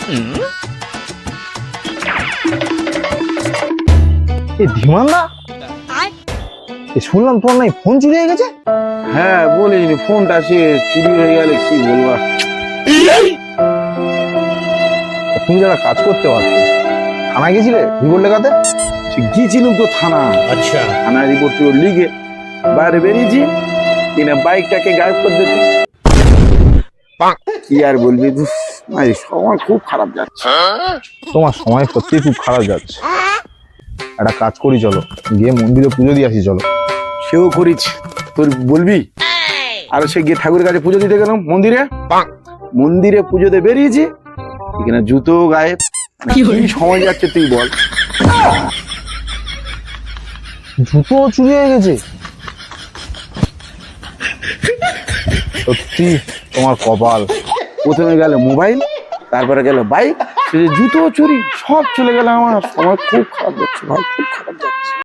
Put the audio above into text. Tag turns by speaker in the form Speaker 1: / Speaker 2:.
Speaker 1: এই ধীমানদা, শুনলাম তোমার নাই ফোন চুরি হয়ে গেছে।
Speaker 2: হ্যাঁ বলিস, ফোনটা সে চুরি হয়ে গেলে কি বলবো।
Speaker 1: তুমি যারা কাজ করতে পারছো, থানায় গেছিলে রিপোর্ট লেখাতে?
Speaker 2: গিয়েছিলাম তো থানা।
Speaker 1: আচ্ছা,
Speaker 2: থানায় রিপোর্ট লিখে বাইরে বেরিয়েছি, কিনা বাইকটাকে গায়েব করে দিতে। কি আর বলবি, সময় খুব খারাপ যাচ্ছে।
Speaker 1: তোমার সময় সত্যি খুব খারাপ যাচ্ছে। একটা কাজ করি, চলো গিয়ে মন্দিরে পুজো দিয়ে আসি। চলো।
Speaker 2: সেও করিস, তোর বলবি। আর সে গিয়ে ঠাকুরের কাছে পুজো দিতে গেলাম মন্দিরে। মন্দিরে পুজোতে বেরিয়েছি, এখানে জুতো গায়েব। কি সময় যাচ্ছে তুই বল।
Speaker 1: জুতো চুরি হয়ে গেছে? সত্যি তোমার কপাল।
Speaker 2: প্রথমে গেল মোবাইল, তারপরে গেল বাইক, জুতো চুরি, সব চলে গেল। আমার সময় খুব খারাপ যাচ্ছে ভাই, খুব খারাপ যাচ্ছে।